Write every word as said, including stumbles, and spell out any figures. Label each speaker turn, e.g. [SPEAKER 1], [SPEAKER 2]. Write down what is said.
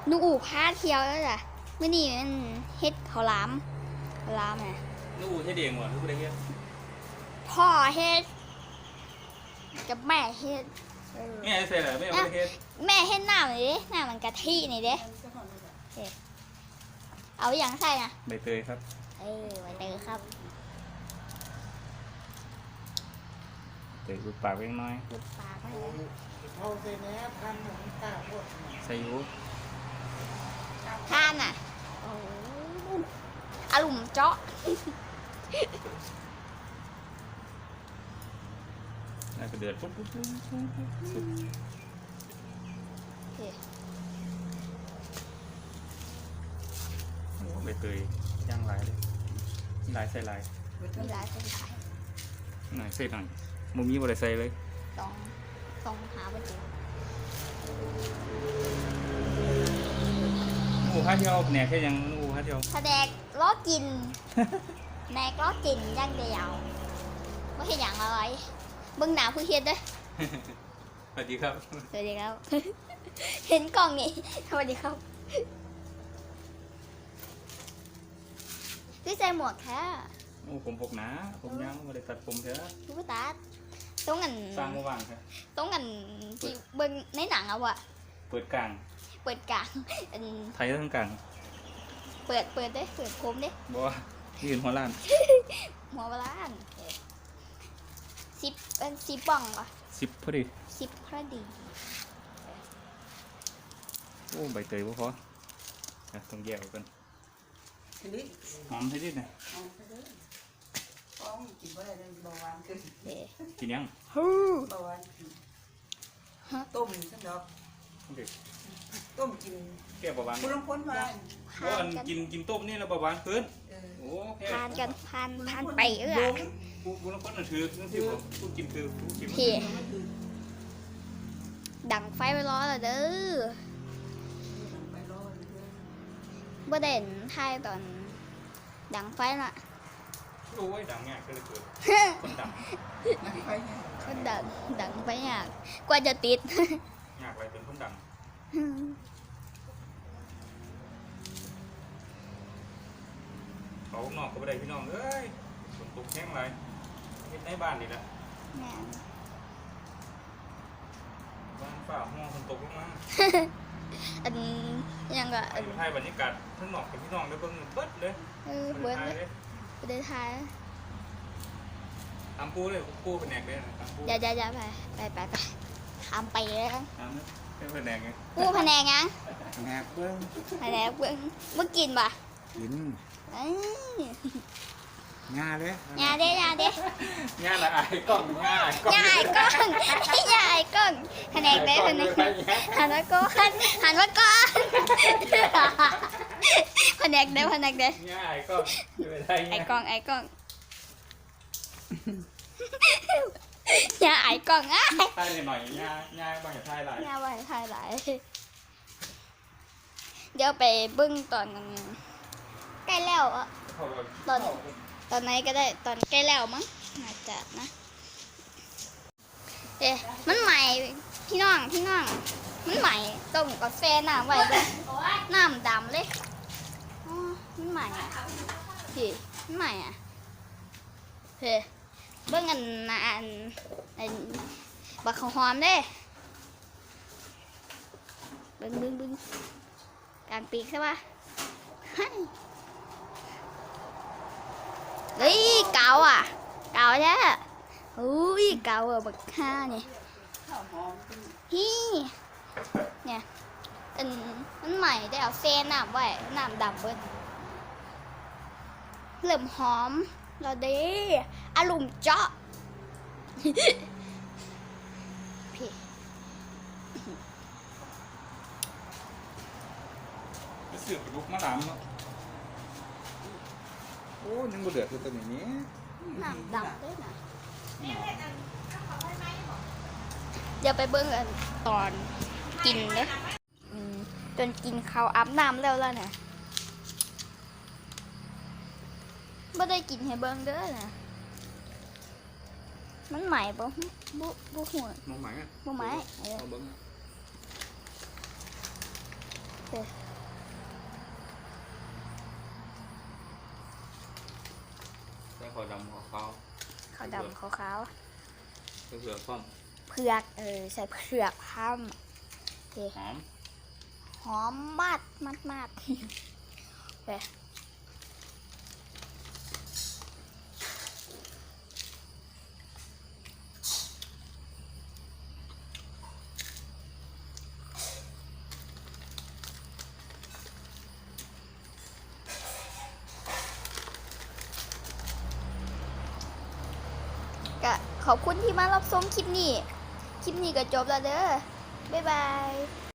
[SPEAKER 1] นูอูพาเที่ยวแล้วจ้ะเมื่อนี้มันเฮ็ดข้าวหลามข้าวหลามไง
[SPEAKER 2] นูอูเฮ็ดเองวะนูอูได้เฮ็ด
[SPEAKER 1] พ่อเฮ็ดกับแม่เฮ็ด
[SPEAKER 2] แม่ใส่เหรอแม่ไม่ได้เฮ็ด
[SPEAKER 1] แม่เฮ็ดหน้าเลยหน้ามันกะทินี่เด้เอาอย่างใส่นะ
[SPEAKER 2] ใบเตยครับ
[SPEAKER 1] เออใบเตยครับ
[SPEAKER 2] เตยรูดปากเล็กน้อย
[SPEAKER 1] รูดปากก็
[SPEAKER 3] เลยเอาใส่แหนพันหนึ่งตาพวก
[SPEAKER 2] ใส่ยู
[SPEAKER 1] ทานอ่ะโอ้อารมณ์เจาะ
[SPEAKER 2] น่าจะเดือดปุ๊บปุ๊บปุ๊บปุ๊บปุ๊บโอ้ใบเตยย่างลายเลยลายใส่ลาย
[SPEAKER 1] มีลายใส่ลาย
[SPEAKER 2] หน่อยใส่หน่อยมุมนี้บ่ได้ใส่เลย
[SPEAKER 1] ต้องต้องหาไปดู
[SPEAKER 2] นูพาเที่ยวแหนกแค่ยังนูพาเที่ยว
[SPEAKER 1] แสดงล้อกินแหนกล้อกินย่างเดียวไม่ใช่อย่างอะไรเบื้องหน้าผู้เฮ็ดด้วย
[SPEAKER 2] สวัสดีครับ
[SPEAKER 1] สวัสดีครับเห็นกล่องนี่สวัสดีครับพี่ใส่หมวกแค่
[SPEAKER 2] โอ้ผมพกหนาผมยังไม่ได้ตัดผมเถอะ
[SPEAKER 1] รู้ป่ะตัดต้องกัน
[SPEAKER 2] สร้างเมื่อวานครับ
[SPEAKER 1] ต้องกันที่เบื้องในหนังเอาอะ
[SPEAKER 2] เปิดกลาง
[SPEAKER 1] เปิดกลาง
[SPEAKER 2] ไทยทั้งกลาง
[SPEAKER 1] เปิดเปิดได้เปิดโคมได้
[SPEAKER 2] บ่ยืนหัวล้าน
[SPEAKER 1] หัวล้านสิบเป็นสิบบ้องปะ
[SPEAKER 2] สิบพอดี
[SPEAKER 1] สิบพอดี
[SPEAKER 2] โอ้ใบเตยบ่พอต้องแยกกันหอมให้ดิหน่อย
[SPEAKER 3] กินอะไรได้เบาหวานขึ้น
[SPEAKER 2] กินยัง
[SPEAKER 3] เบาหวานต้มสักดอกต้มกิน
[SPEAKER 2] แก้เบาหวาน
[SPEAKER 3] คุณลองพ้นมา
[SPEAKER 2] เพราะมันกินกินต้มนี่แล้วเบาหวานขึ้นโอ้
[SPEAKER 1] ทานกันทานทานไปเออ
[SPEAKER 2] คุณลองพ้นน่ะถือนั่นสิผมพูดกินคือพูดกิน
[SPEAKER 1] พี่ดังไฟไปรอเลยเด้อบ่เด่นไทยตอนดังไฟน่ะ
[SPEAKER 2] โอ้ยดังแง่ก็เลยเกิดคนดัง
[SPEAKER 1] คนดังดังไฟยากกว่าจะติด
[SPEAKER 2] ยากอะไรเป็นคนดังเขานอกก็ไม่ได้พี่น้องเอ้ยฝนตกแห้งไรเห็นในบ้านนี่แหละบ้านฝ่าห้องฝนตกลงมา
[SPEAKER 1] อันยังก็
[SPEAKER 2] อยู่ไทยบรรยากาศทั้งนอกกับพี่น้องได้เบิ่งเบิดเลย
[SPEAKER 1] เออเบิดเลยไปเดินไทย
[SPEAKER 2] ทำปูเลยปูเป็นแหนกเลย
[SPEAKER 1] อย่าอย่าอย่าไปไปไปไปทำไปเลย
[SPEAKER 2] ทำเป็นแหนกไง
[SPEAKER 1] ปูแผนงยัง
[SPEAKER 3] แหนกเบิ้ง
[SPEAKER 1] แผนงเบิ้งเมื่อกินป่ะ
[SPEAKER 3] กินงาเลย
[SPEAKER 1] งาเด้งาเด้
[SPEAKER 2] งาละไอ้กล้องงาไอ้กล้อง
[SPEAKER 1] งาไอ้กล้องงาไอ้กล้องแผนงเด้แผนงหันมาก่อนหันมาก่อนแผนงเด้แผนงเด้
[SPEAKER 2] งาไอ้กล้อง
[SPEAKER 1] ไอ้กล้องไอ้กล้องงาไอ้กล้องอ่ะ
[SPEAKER 2] ไทยหน่อยงางาบางอย่างไทยหลาย
[SPEAKER 1] งาบางไทยหลายเดี๋ยวไปบึ้งตอนใกล้แล้วอ่ะตอนตอนไหนก็ได้ตอนใกล้แล้วมั้งน่าจะนะเอ๊ะมันใหม่พี่น้องพี่น้องมันใหม่ต้มกาแฟน้ำไว้เลยน้ำดำเลยอ๋อมันใหม่อ่ะพี่มันใหม่อ่ะเฮ้เบิ่งอันอันอันบักข้าวหอมเด้เบิ่งเบิ่งเบิ่งกลางปีกใช่ปะเฮ้ยเก่าอ่ะเก่าใช่ไหมอุ้ยเก่าอ่ะบักห้าเนี่ยฮีเนี่ยอันมันใหม่ได้เอาเส้นน้ำไว้น้ำดำเบิ้ลเริ่มหอมเราเด้อารมณ์เจาะพี่
[SPEAKER 2] เสือกลุกมาดำเนาะโอ้ยังบ่เดือดคือตัวนี้
[SPEAKER 1] น้ำดำด้วยนะเดี๋ยวไปเบิ้งกันตอนกินเลยจนกินข้าวอาบน้ำแล้วแล้วเนี่ยไม่ได้กินให้เบิ้งเด้อนะมันใหม่ปะบุบุหัว
[SPEAKER 2] มันใหม่อ่ะ
[SPEAKER 1] บุใหม่
[SPEAKER 2] เอาเบิ้ง
[SPEAKER 1] เค
[SPEAKER 2] ใส่ขาวดำขาวขาว
[SPEAKER 1] ขาวดำขาวขาว
[SPEAKER 2] เผือกพร้อม
[SPEAKER 1] เผือกเออใส่เผือกพัมโอเค
[SPEAKER 2] หอม
[SPEAKER 1] หอมมากมากมากโอเคก็ขอบคุณที่มารับชมคลิปนี้ คลิปนี้ก็จบแล้วเด้อ บ๊ายบาย